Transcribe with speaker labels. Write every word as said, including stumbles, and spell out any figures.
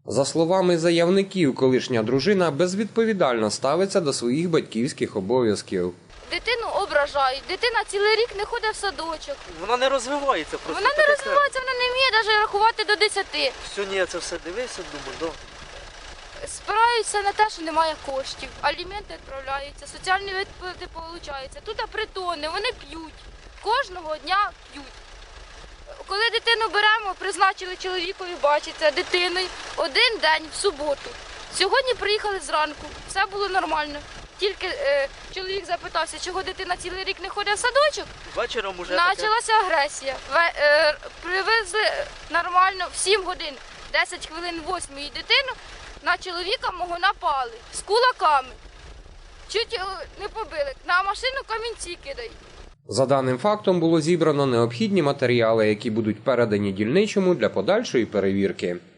Speaker 1: За словами заявників, колишня дружина безвідповідально ставиться до своїх батьківських обов'язків.
Speaker 2: Дитину ображають, дитина цілий рік не ходить в садочок.
Speaker 3: Вона не розвивається просто.
Speaker 2: Вона не розвивається, вона не вміє навіть рахувати до десяти.
Speaker 3: Сьогодні я це все дивився, думаю, да.
Speaker 2: Спираються на те, що немає коштів, аліменти відправляються, соціальні виплати получаються. Тут притони, вони п'ють, кожного дня п'ють. Коли дитину беремо, призначили чоловікові бачиться дитиною один день в суботу. Сьогодні приїхали зранку, все було нормально. Тільки е, чоловік запитався, чого дитина цілий рік не ходить в садочок.
Speaker 3: Вечором уже
Speaker 2: Почалася агресія. Ве, е, привезли нормально в сім годин, десять хвилин восьмої дитину, на чоловіка мого напали з кулаками. Чуть його не побили, на машину камінці кидають.
Speaker 1: За даним фактом було зібрано необхідні матеріали, які будуть передані дільничому для подальшої перевірки.